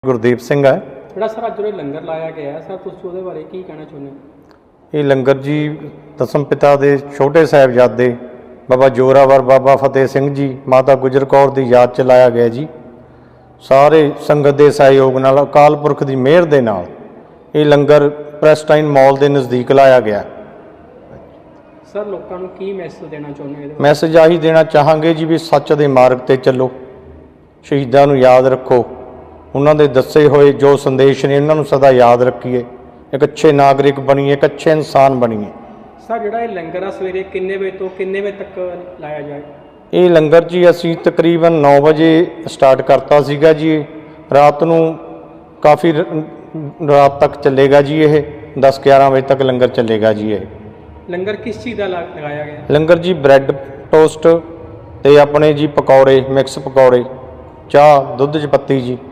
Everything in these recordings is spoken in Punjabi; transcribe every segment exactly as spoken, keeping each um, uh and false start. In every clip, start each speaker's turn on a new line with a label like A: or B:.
A: ਗੁਰਦੀਪ ਸਿੰਘ ਹੈ।
B: ਜਿਹੜਾ ਸਰ ਅੱਜ ਉਹ ਲੰਗਰ ਲਾਇਆ ਗਿਆ ਸਰ, ਤੁਸੀਂ ਉਹਦੇ ਬਾਰੇ ਕੀ ਕਹਿਣਾ ਚਾਹੁੰਦੇ ਹੋ?
A: ਇਹ ਲੰਗਰ ਜੀ ਦਸਮ ਪਿਤਾ ਦੇ ਛੋਟੇ ਸਾਹਿਬਜ਼ਾਦੇ ਬਾਬਾ ਜੋਰਾਵਰ, ਬਾਬਾ ਫਤਿਹ ਸਿੰਘ ਜੀ, ਮਾਤਾ ਗੁਜਰ ਕੌਰ ਦੀ ਯਾਦ 'ਚ ਲਾਇਆ ਗਿਆ ਜੀ। ਸਾਰੇ ਸੰਗਤ ਦੇ ਸਹਿਯੋਗ ਨਾਲ, ਅਕਾਲ ਪੁਰਖ ਦੀ ਮਿਹਰ ਦੇ ਨਾਲ ਇਹ ਲੰਗਰ ਪ੍ਰੈਸਟਾਈਨ ਮਾਲ ਦੇ ਨਜ਼ਦੀਕ ਲਾਇਆ ਗਿਆ।
B: ਸਰ ਲੋਕਾਂ ਨੂੰ ਕੀ ਮੈਸੇਜ ਦੇਣਾ ਚਾਹੁੰਦੇ ਹੋ?
A: ਮੈਸੇਜ ਆਹੀ ਦੇਣਾ ਚਾਹਾਂਗੇ ਜੀ ਵੀ ਸੱਚ ਦੇ ਮਾਰਗ 'ਤੇ ਚੱਲੋ, ਸ਼ਹੀਦਾਂ ਨੂੰ ਯਾਦ ਰੱਖੋ, ਉਹਨਾਂ ਦੇ ਦੱਸੇ ਹੋਏ ਜੋ ਸੰਦੇਸ਼ ਨੇ ਉਹਨਾਂ ਨੂੰ ਸਦਾ ਯਾਦ ਰੱਖੀਏ, ਇੱਕ ਅੱਛੇ ਨਾਗਰਿਕ ਬਣੀਏ, ਇੱਕ ਅੱਛੇ ਇਨਸਾਨ ਬਣੀਏ।
B: ਸਰ ਜਿਹੜਾ ਇਹ ਲੰਗਰ ਆ ਸਵੇਰੇ ਕਿੰਨੇ ਵਜੇ ਤੋਂ ਕਿੰਨੇ ਵਜੇ ਤੱਕ ਲਾਇਆ ਜਾਏ?
A: ਇਹ ਲੰਗਰ ਜੀ ਅਸੀਂ ਤਕਰੀਬਨ ਨੌ ਵਜੇ ਸਟਾਰਟ ਕਰਤਾ ਸੀਗਾ ਜੀ। ਰਾਤ ਨੂੰ ਕਾਫੀ ਰਾਤ ਤੱਕ ਚੱਲੇਗਾ ਜੀ। ਇਹ ਦਸ ਗਿਆਰਾਂ ਵਜੇ ਤੱਕ ਲੰਗਰ ਚੱਲੇਗਾ ਜੀ। ਇਹ
B: ਲੰਗਰ ਕਿਸ ਚੀਜ਼ ਦਾ ਲਗਾਇਆ ਗਿਆ?
A: ਲੰਗਰ ਜੀ ਬ੍ਰੈਡ ਟੋਸਟ ਤੇ ਆਪਣੇ ਜੀ ਪਕੌੜੇ, ਮਿਕਸ ਪਕੌੜੇ, ਚਾਹ, ਦੁੱਧ 'ਚ ਪੱਤੀ ਜੀ।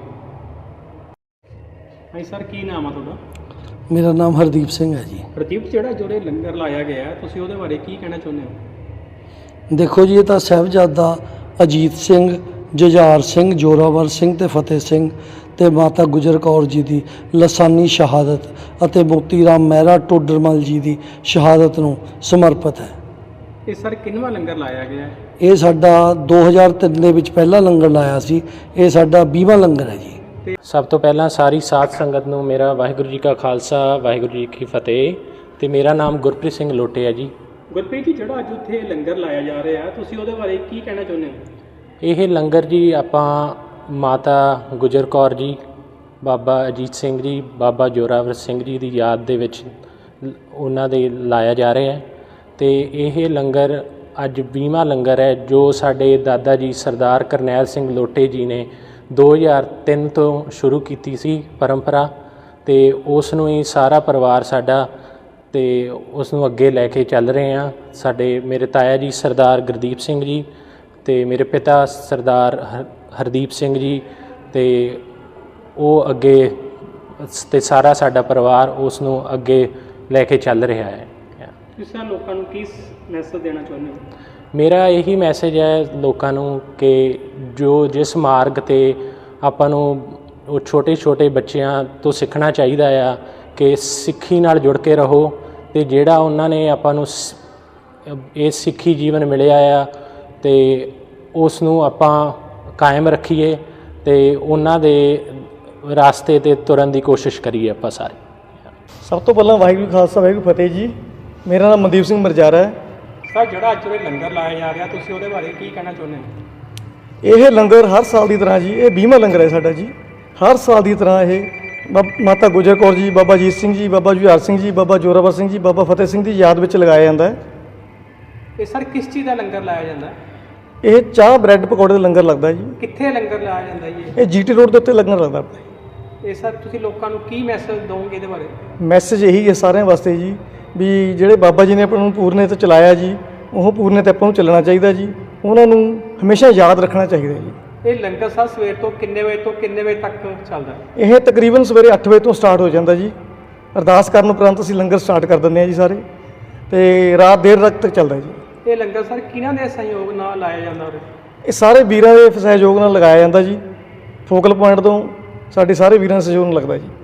B: ਹਾਂਜੀ ਸਰ, ਕੀ ਨਾਮ ਆ ਤੁਹਾਡਾ?
C: ਮੇਰਾ ਨਾਮ ਹਰਦੀਪ ਸਿੰਘ ਹੈ ਜੀ।
B: ਹਰਦੀਪ, ਜਿਹੜਾ ਜਿਹੜੇ ਲੰਗਰ ਲਾਇਆ ਗਿਆ ਤੁਸੀਂ ਉਹਦੇ ਬਾਰੇ ਕੀ ਕਹਿਣਾ ਚਾਹੁੰਦੇ ਹੋ?
C: ਦੇਖੋ ਜੀ, ਇਹ ਤਾਂ ਸਾਹਿਬਜ਼ਾਦਾ ਅਜੀਤ ਸਿੰਘ, ਜੁਝਾਰ ਸਿੰਘ, ਜੋਰਾਵਰ ਸਿੰਘ ਤੇ ਫਤਿਹ ਸਿੰਘ ਤੇ ਮਾਤਾ ਗੁਜਰ ਕੌਰ ਜੀ ਦੀ ਲਸਾਨੀ ਸ਼ਹਾਦਤ ਅਤੇ ਮੋਤੀ ਰਾਮ ਮਹਿਰਾ ਟੋਡਰਮਲ ਜੀ ਦੀ ਸ਼ਹਾਦਤ ਨੂੰ ਸਮਰਪਿਤ ਹੈ।
B: ਇਹ ਸਰ ਕਿੰਨਵਾਂ ਲੰਗਰ ਲਾਇਆ ਗਿਆ ਹੈ?
C: ਇਹ ਸਾਡਾ ਦੋ ਹਜ਼ਾਰ ਤਿੰਨ ਦੇ ਵਿੱਚ ਪਹਿਲਾ ਲੰਗਰ ਲਾਇਆ ਸੀ। ਇਹ ਸਾਡਾ ਵੀਹਵਾਂ ਲੰਗਰ ਹੈ ਜੀ।
D: ਸਭ ਤੋਂ ਪਹਿਲਾਂ ਸਾਰੀ ਸਾਧ ਸੰਗਤ ਨੂੰ ਮੇਰਾ ਵਾਹਿਗੁਰੂ ਜੀ ਕਾ ਖਾਲਸਾ, ਵਾਹਿਗੁਰੂ ਜੀ ਕੀ ਫਤਿਹ। ਤੇ ਮੇਰਾ ਨਾਮ ਗੁਰਪ੍ਰੀਤ ਸਿੰਘ ਲੋਟੇ ਹੈ ਜੀ।
B: ਗੁਰਪ੍ਰੀਤ ਜੀ, ਜਿਹੜਾ ਅੱਜ ਉੱਥੇ ਲੰਗਰ ਲਾਇਆ ਜਾ ਰਿਹਾ ਤੁਸੀਂ ਉਹਦੇ ਬਾਰੇ ਕੀ ਕਹਿਣਾ ਚਾਹੁੰਦੇ ਹੋ?
D: ਇਹ ਲੰਗਰ ਜੀ ਆਪਾਂ ਮਾਤਾ ਗੁਜਰ ਕੌਰ ਜੀ, ਬਾਬਾ ਅਜੀਤ ਸਿੰਘ ਜੀ, ਬਾਬਾ ਜੋਰਾਵਰ ਸਿੰਘ ਜੀ ਦੀ ਯਾਦ ਦੇ ਵਿੱਚ ਉਹਨਾਂ ਦੇ ਲਾਇਆ ਜਾ ਰਿਹਾ ਹੈ। ਅਤੇ ਇਹ ਲੰਗਰ ਅੱਜ ਵੀਹਵਾਂ ਲੰਗਰ ਹੈ, ਜੋ ਸਾਡੇ ਦਾਦਾ ਜੀ ਸਰਦਾਰ ਕਰਨੈਲ ਸਿੰਘ ਲੋਟੇ ਜੀ ਨੇ ਦੋ ਹਜ਼ਾਰ ਤਿੰਨ ਤੋਂ ਸ਼ੁਰੂ ਕੀਤੀ ਸੀ ਪਰੰਪਰਾ। ਅਤੇ ਉਸ ਨੂੰ ਹੀ ਸਾਰਾ ਪਰਿਵਾਰ ਸਾਡਾ ਅਤੇ ਉਸ ਨੂੰ ਅੱਗੇ ਲੈ ਕੇ ਚੱਲ ਰਹੇ ਹਾਂ। ਸਾਡੇ ਮੇਰੇ ਤਾਇਆ ਜੀ ਸਰਦਾਰ ਗੁਰਦੀਪ ਸਿੰਘ ਜੀ ਅਤੇ ਮੇਰੇ ਪਿਤਾ ਸਰਦਾਰ ਹਰ ਹਰਦੀਪ ਸਿੰਘ ਜੀ, ਅਤੇ ਉਹ ਅੱਗੇ ਅਤੇ ਸਾਰਾ ਸਾਡਾ ਪਰਿਵਾਰ ਉਸ ਨੂੰ ਅੱਗੇ ਲੈ ਕੇ ਚੱਲ ਰਿਹਾ ਹੈ।
B: ਤੁਸੀਂ ਲੋਕਾਂ ਨੂੰ ਕੀ ਮੈਸੇਜ ਦੇਣਾ ਚਾਹੁੰਦੇ ਹੋ?
D: ਮੇਰਾ ਇਹੀ ਮੈਸੇਜ ਹੈ ਲੋਕਾਂ ਨੂੰ ਕਿ ਜੋ ਜਿਸ ਮਾਰਗ 'ਤੇ ਆਪਾਂ ਨੂੰ ਉਹ ਛੋਟੇ ਛੋਟੇ ਬੱਚਿਆਂ ਤੋਂ ਸਿੱਖਣਾ ਚਾਹੀਦਾ ਆ ਕਿ ਸਿੱਖੀ ਨਾਲ ਜੁੜ ਕੇ ਰਹੋ, ਅਤੇ ਜਿਹੜਾ ਉਹਨਾਂ ਨੇ ਆਪਾਂ ਨੂੰ ਇਹ ਸਿੱਖੀ ਜੀਵਨ ਮਿਲਿਆ ਆ ਅਤੇ ਉਸ ਨੂੰ ਆਪਾਂ ਕਾਇਮ ਰੱਖੀਏ ਅਤੇ ਉਹਨਾਂ ਦੇ ਰਾਸਤੇ 'ਤੇ ਤੁਰਨ ਦੀ ਕੋਸ਼ਿਸ਼ ਕਰੀਏ ਆਪਾਂ ਸਾਰੇ।
E: ਸਭ ਤੋਂ ਪਹਿਲਾਂ ਵਾਹਿਗੁਰੂ ਖਾਲਸਾ, ਵਾਹਿਗੁਰੂ ਫਤਿਹ ਜੀ। ਮੇਰਾ ਨਾਮ ਮਨਦੀਪ ਸਿੰਘ ਮਰਜਾਰਾ ਹੈ।
B: ਸਰ, ਜਿਹੜਾ ਅੱਜ ਉਹ ਲੰਗਰ ਲਾਇਆ ਜਾ ਰਿਹਾ ਤੁਸੀਂ ਉਹਦੇ ਬਾਰੇ ਕੀ ਕਹਿਣਾ ਚਾਹੁੰਦੇ ਹੋ?
E: ਇਹ ਲੰਗਰ ਹਰ ਸਾਲ ਦੀ ਤਰ੍ਹਾਂ ਜੀ, ਇਹ ਵੀਹਵਾਂ ਲੰਗਰ ਹੈ ਸਾਡਾ ਜੀ। ਹਰ ਸਾਲ ਦੀ ਤਰ੍ਹਾਂ ਇਹ ਮਾਤਾ ਗੁਜਰ ਕੌਰ ਜੀ, ਬਾਬਾ ਅਜੀਤ ਸਿੰਘ ਜੀ, ਬਾਬਾ ਜੁਝਾਰ ਸਿੰਘ ਜੀ, ਬਾਬਾ ਜੋਰਾਵਰ ਸਿੰਘ ਜੀ, ਬਾਬਾ ਫਤਿਹ ਸਿੰਘ ਦੀ ਯਾਦ ਵਿੱਚ ਲਗਾਇਆ ਜਾਂਦਾ ਹੈ।
B: ਇਹ ਸਰ ਕਿਸ ਚੀਜ਼ ਦਾ ਲੰਗਰ ਲਾਇਆ ਜਾਂਦਾ?
E: ਇਹ ਚਾਹ, ਬ੍ਰੈਡ, ਪਕੌੜੇ ਦਾ ਲੰਗਰ ਲੱਗਦਾ ਜੀ।
B: ਕਿੱਥੇ ਲੰਗਰ ਲਾਇਆ ਜਾਂਦਾ ਜੀ?
E: ਇਹ ਜੀਟੀ ਰੋਡ ਦੇ ਉੱਤੇ ਲੰਗਰ ਲੱਗਦਾ।
B: ਇਹ ਸਰ ਤੁਸੀਂ ਲੋਕਾਂ ਨੂੰ ਕੀ ਮੈਸੇਜ ਦਿਓਗੇ ਇਹਦੇ ਬਾਰੇ?
E: ਮੈਸੇਜ ਇਹੀ ਹੈ ਸਾਰਿਆਂ ਵਾਸਤੇ ਜੀ, ਵੀ ਜਿਹੜੇ ਬਾਬਾ ਜੀ ਨੇ ਆਪਾਂ ਨੂੰ ਪੂਰਨੇ ਤੇ ਚਲਾਇਆ ਜੀ, ਉਹ ਪੂਰਨੇ ਤੇ ਆਪਾਂ ਨੂੰ ਚੱਲਣਾ ਚਾਹੀਦਾ ਜੀ। ਉਹਨਾਂ ਨੂੰ ਹਮੇਸ਼ਾ ਯਾਦ ਰੱਖਣਾ ਚਾਹੀਦਾ ਜੀ।
B: ਇਹ ਲੰਗਰ ਸਰ ਸਵੇਰ ਤੋਂ ਕਿੰਨੇ ਵਜੇ ਤੋਂ ਕਿੰਨੇ ਵਜੇ ਤੱਕ ਚੱਲਦਾ?
E: ਇਹ ਤਕਰੀਬਨ ਸਵੇਰੇ ਅੱਠ ਵਜੇ ਤੋਂ ਸਟਾਰਟ ਹੋ ਜਾਂਦਾ ਜੀ। ਅਰਦਾਸ ਕਰਨ ਉਪਰੰਤ ਅਸੀਂ ਲੰਗਰ ਸਟਾਰਟ ਕਰ ਦਿੰਦੇ ਹਾਂ ਜੀ ਸਾਰੇ, ਅਤੇ ਰਾਤ ਦੇਰ ਰਾਤ ਤੱਕ ਚੱਲਦਾ ਜੀ।
B: ਇਹ ਲੰਗਰ ਸਰ ਕਿਹਨਾਂ ਦੇ ਸਹਿਯੋਗ ਨਾਲ ਲਾਇਆ ਜਾਂਦਾ ਉਰੇ?
E: ਇਹ ਸਾਰੇ ਵੀਰਾਂ ਦੇ ਸਹਿਯੋਗ ਨਾਲ ਲਗਾਇਆ ਜਾਂਦਾ ਜੀ। ਫੋਕਲ ਪੁਆਇੰਟ ਤੋਂ ਸਾਡੇ ਸਾਰੇ ਵੀਰਾਂ ਦੇ ਸਹਿਯੋਗ ਨਾਲ ਲੱਗਦਾ ਜੀ।